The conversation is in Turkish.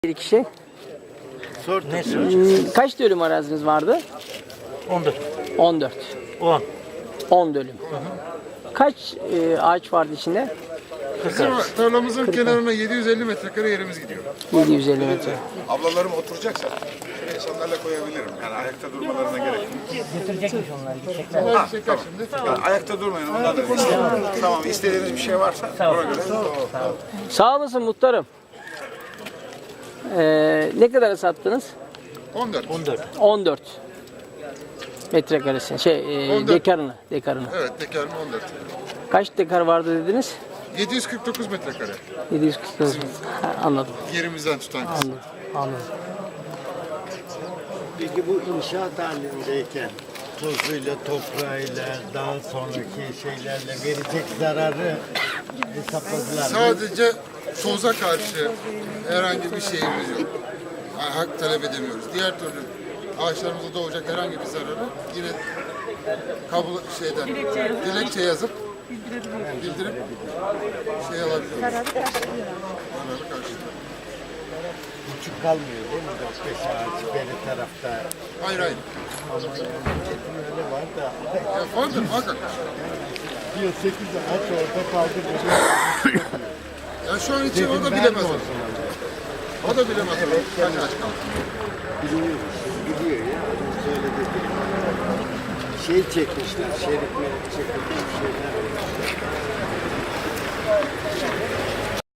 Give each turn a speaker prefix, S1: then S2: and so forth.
S1: Bir kişi.
S2: Ne soracağız?
S1: Kaç dönüm araziniz vardı?
S2: 14.
S1: 14.
S2: 10.
S1: 10 dönüm. Kaç ağaç vardı içinde?
S3: Bizim tarlamızın kenarına 750 metrekare yerimiz gidiyor.
S1: 750 metre.
S4: Ablalarım oturacaksa şuraya sandalye koyabilirim. Yani ayakta durmalarına gerek yok.
S2: Götürecekmiş onlar. Gidecekler.
S3: Onlar çeker şimdi.
S4: Yani ayakta durmayın. Onlar da tamam, istediğiniz bir şey varsa ona göre.
S1: Sağ olasın muhtarım. Ne kadara sattınız?
S3: 14.
S1: 14 metrekaresi.
S3: 14.
S1: Dekarını.
S3: Evet, dekarım 14.
S1: Kaç dekar vardı dediniz?
S3: 749 metrekare.
S1: 740. Anladım.
S3: Yerimizden tutan kısmı.
S1: Anladım.
S5: Peki bu inşaat halindeyken tozuyla, toprağıyla, daha sonraki şeylerle verecek zararı hesapladılar mı?
S3: Sadece toza karşı herhangi bir şeyimiz yok. Yani hak talep edemiyoruz. Diğer türlü ağaçlarımıza doğacak herhangi bir zararı yine dilekçe yazıp bildirip şey alabiliyoruz. Zararı karşılıyor.
S5: Küçük kalmıyor değil mi? 4-5 ağaç beri tarafta.
S3: Hayır.
S5: Ama memleketin öyle var da.
S3: Ya vardır muhakkak.
S5: Diyor 8 ağaç orada kaldı.
S3: Ya şu an için o da
S5: Dedim,
S3: bilemez.
S5: ben de
S3: onu.
S5: olsun.
S3: O da bilemez. Kaç ağaç kaldı.
S5: Biliyor, biliyor ya. Söyledi. Şey çekmişler, şerit merit çekilmiş şeyler.